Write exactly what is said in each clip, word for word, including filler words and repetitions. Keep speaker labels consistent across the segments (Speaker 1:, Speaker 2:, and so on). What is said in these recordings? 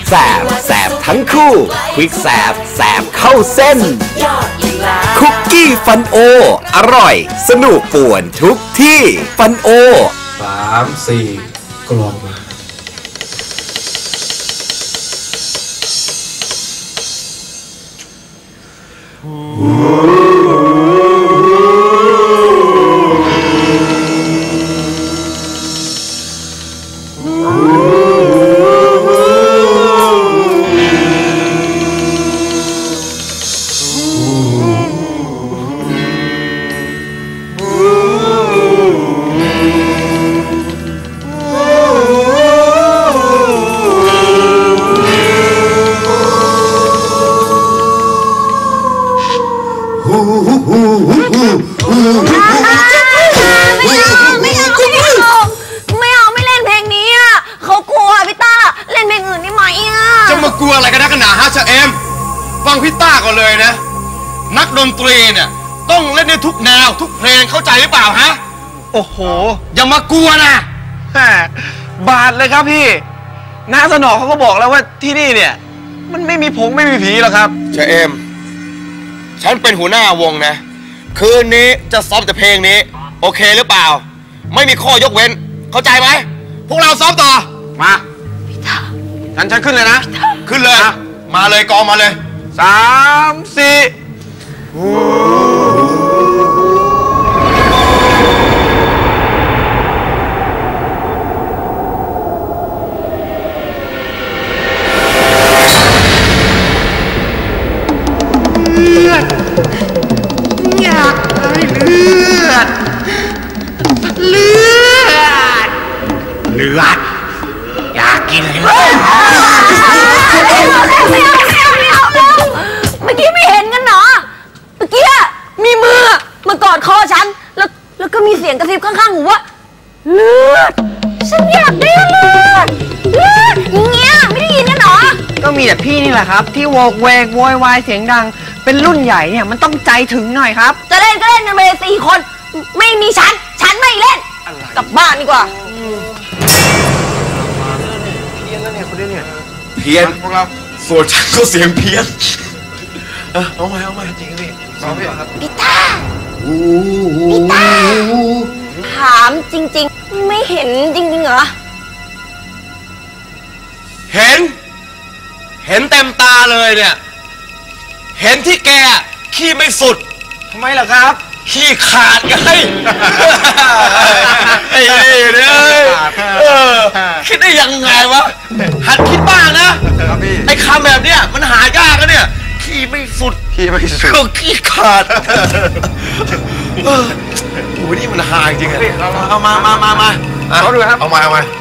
Speaker 1: แสบแสบทั้งคู่ควิกแสบแสบเข้าเส้นคุกกี้ฟันโออร่อยสนุกป่วนทุกที่ฟันโอ
Speaker 2: สามสี่กลองมา
Speaker 3: ฟังพี่ต้าก่อนเลยนะนักดนตรีเนี่ยต้องเล่นในทุกแนวทุกเพลงเข้าใจหรือเปล่าฮะโอ้โหอย่ามากลัวนะบาดเลยครับพี่น้าสนอเขาก็บอกแล้วว่าที่นี่เนี่ยมันไม่มีผงไม่มีผีหรอกครับเชเอมฉันเป็นหัวหน้าวงนะคืนนี้จะซ้อมแต่เพลงนี้โอเคหรือเปล่าไม่มีข้อยกเว้นเข้าใจไหมพวกเราซ้อมต่อมาพี่ต้าฉันฉันขึ้นเลยนะขึ้นเลยมาเลยกองมาเลยสามสี่เลือดอยากได้เลือดเลือดเลือดอยากกินเลือดเมื่อกี้ไม่เห็นกันเหรอเมื่อกี้มีมือมากอดคอฉันแล้วแล้วก็มีเสียงกระซิบข้างๆหูว่าเลือดฉันอยากได้เลือดเลือดอย่างเงี้ยไม่ได้ยินกันเหรอก็มีแต่พี่นี่แหละครับที่โวกเวกโวยวายเสียงดังเป็นรุ่นใหญ่เนี่ยมันต้องใจถึงหน่อยครับจะเล่นก็เล่นกันไปสี่คนไม่มีฉันฉันไม่เล่นกลับบ้านดีกว่าเพี้ยนแล้วเนี่ยคนนี้เนี่ยเพี้ยนพวกเราส่วนฉันก็เสียงเพี้ยนเออเอาใหม่เอาใหม่จริงพี่ซ้อมพี่ครับพี่ต้าพี่ต้าถามจริงๆไม่เห็นจริงๆเหรอเห็นเห็นเต็มตาเลยเนี่ยเห็นที่แกขี้ไม่สุดทำไมล่ะครับขี้ขาดไงไอ้นี่เนี่ยเออคิดได้ยังไงวะหัดคิดบ้างนะไอ้คำแบบเนี้ยมันหายากนะเนี่ยขี้ไม่สุดขี้ไม่สุดก็ขี้ขาดโอ้ยนี่มันหายจริงอะเอามามามามาเอาดูครับเอามาเอามา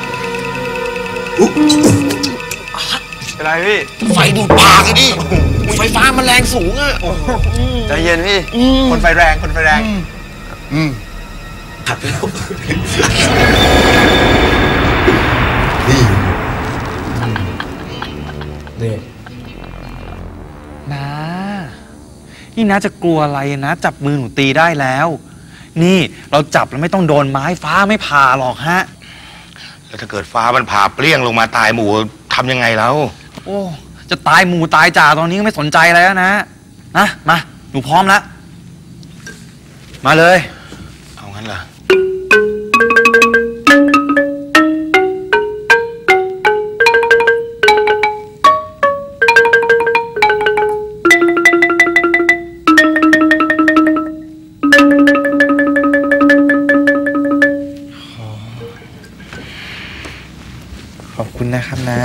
Speaker 3: เป็นไรพี่ไฟดูดปากเลยดิไฟฟ้ามันแรงสูงอะใจเย็นพี่คนไฟแรงคนไฟแรงอืมขัดไปแล้วนี่นี่
Speaker 4: น้านี่น้าจะกลัวอะไรนะจับมือหนูตีได้แล้วนี่เราจับแล้วไม่ต้องโดนไม้ฟ้าไม่ผ่าหรอกฮะ
Speaker 3: แล้วถ้าเกิดฟ้ามันผ่าเปรี้ยงลงมาตายหมู่ทำยังไงแล้ว
Speaker 4: โอ้จะตายหมู่ตายจ่าตอนนี้ก็ไม่สนใจแล้วนะนะมาหนูพร้อมแล้วมาเลย
Speaker 3: เอางั้นเหรอ
Speaker 4: ขอบคุณนะครับนะ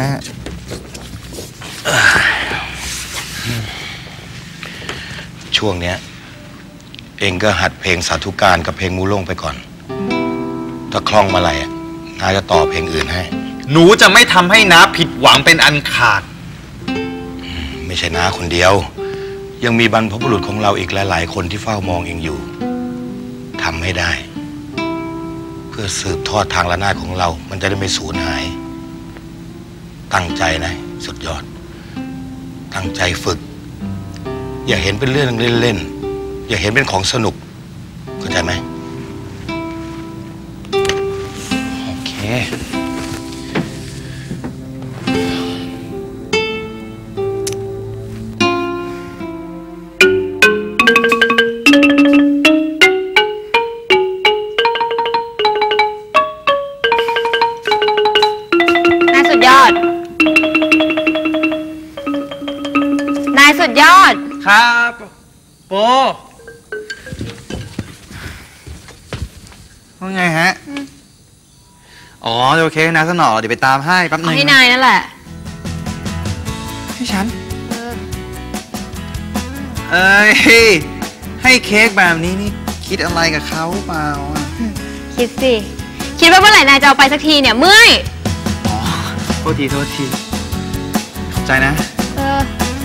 Speaker 3: ช่วงเนี้ยเองก็หัดเพลงสาธุการกับเพลงมูลงไปก่อนถ้าคล่องมาไหร่น้าจะต่อเพลงอื่นให้
Speaker 4: หนูจะไม่ทำให้น้าผิดหวังเป็นอันขาด
Speaker 3: ไม่ใช่น้าคนเดียวยังมีบรรพบุรุษของเราอีกหลายๆคนที่เฝ้ามองเองอยู่ทำให้ได้เพื่อสืบทอดทางระนาดของเรามันจะได้ไม่สูญหายตั้งใจนะสุดยอดตั้งใจฝึกอย่าเห็นเป็นเรื่องเล่นๆอย่าเห็นเป็นของสนุกเข้าใจไหมโอเค
Speaker 4: ครับโปว่าไงฮะอ๋อโอเคนะสนอเดี๋ยวไปตามให้แป๊บนึง
Speaker 5: ให้นายนั่นแหละ
Speaker 4: ให้ฉันเอ้ยให้เค้กแบบนี้นี่คิดอะไรกับเขาเปล่าอ่ะ
Speaker 5: คิดสิ คิดว่าเมื่อไหร่นายจะเอาไปสักทีเนี่ยเมื่อย
Speaker 4: อ๋อโทษทีโทษทีขอบใจนะ
Speaker 5: เออ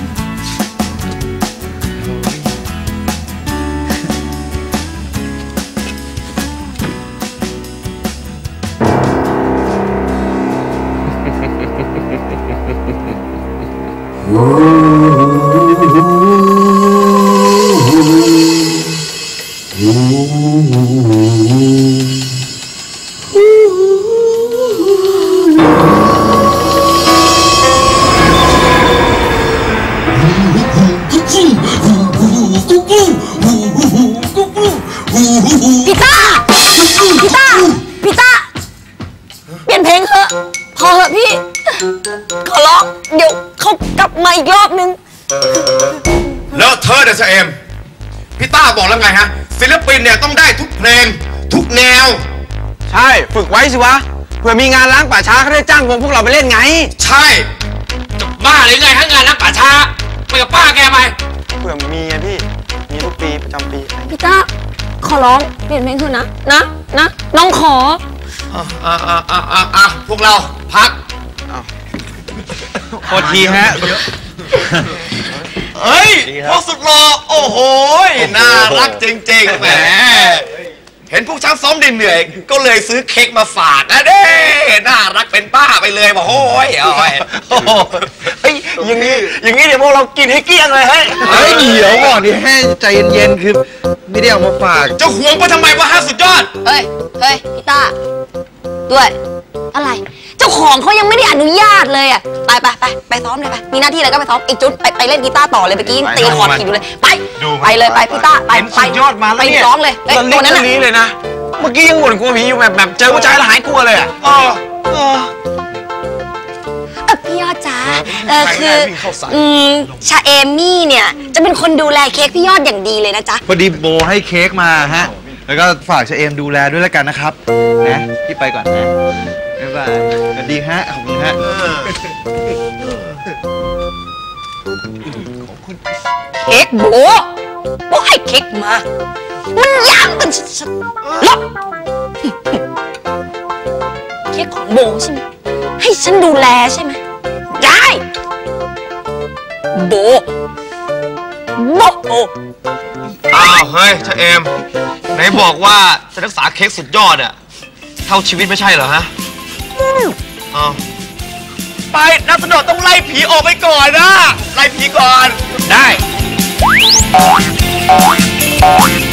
Speaker 5: พี่ต้าพี่ต้าพี่ต้าเปลี่ยนเพลงเถอะพอเถอะพี่ขอร้องเดี๋ยวเขากลับมาอีกรอบนึง
Speaker 3: แล้วเธอเดชเอมพี่ต้าบอกแล้วไงฮะศิลปินเนี่ยต้องได้ทุกเพลงทุกแนว
Speaker 6: ใช่ฝึกไว้สิวะเผื่อมีงานล้างป่าช้าเขาได้จ้างวงพวกเราไปเล่นไง
Speaker 3: ใช่จะบ้าหรือไงฮะงานล้างป่าช้าไปกับป้าแกไป
Speaker 6: เผื่อมีไงพี่มีทุกปีประจำปี
Speaker 5: พี่ต้าขอร้องเปลี่ยนเพลงเถอะนะนะนะน้องขอ
Speaker 3: อ่ะอ่ะอ่ะอ่ะอ่ะอ่ะพวกเราพัก
Speaker 4: โทษทีฮะ
Speaker 3: เฮ้ยพวกสุดหล่อโอ้โหน่ารักจริงๆแหมเห็นพวกช้างซ้อมเหนื่อยก็เลยซื้อเค้กมาฝากนะเด้น่ารักเป็นป้าไปเลยบอกโอ้ยโอ้ย
Speaker 6: เฮ้ยอย่างนี้อย่างนี้เดี๋ยวพวกเรากินให้เกลี้ยงเลยเฮ้ย
Speaker 4: เฮ้ยเดี๋ยวก่อนดิให้ใจเย็นๆคือไม่ได้เอามาฝาก
Speaker 3: จะหวงไปทำไมวะฮะสุดยอด
Speaker 5: เฮ้ยเฮ้ยพี่ต้าด้วยอะไรเจ้าของเขายังไม่ได้อนุญาตเลยอ่ะไปไปไปไปซ้อมเลยไปมีหน้าที่อะไรก็ไปซ้อมอีกจุดไปไปเล่นกีตาร์ต่อเลยเมื่อกี้ตีคอร์ดผิดอยู่เลยไปไปเลยไปพี่ต้าไปไป
Speaker 6: ยอดมาแล้ว
Speaker 5: เนี่ยไปร้องเลย
Speaker 6: ตอนนี้เลยนะเมื่อกี้ยังบ่นกลัวผีอยู่แบบแบบเจอผู้ชายแล้วหายกลัวเลยอ่ะเออเออ
Speaker 5: พี่ยอดจ้าเออคืออืมชาเอมี่เนี่ยจะเป็นคนดูแลเค้กพี่ยอดอย่างดีเลยนะจ๊ะ
Speaker 4: พอดีโบให้เค้กมาฮะแล้วก็ฝากชาเอมดูแลด้วยแล้วกันนะครับนะพี่ไปก่อนนะบ๊ายบายสวัสดีฮะขอบคุณฮะ
Speaker 5: เค้กโบโบให้เค้กมามันยากกันชัดๆแล้วเค้กของโบใช่ไหมให้ฉันดูแลใช่ไหมได้โบโบโอ
Speaker 3: อ้าวเฮ้ยชาเอมไหนบอกว่าจะรักษาเค้กสุดยอดอะเท่าชีวิตไม่ใช่เหรอฮะอ้าวไปนักสนอต้องไล่ผีออกไปก่อนนะไล่ผีก่อนได้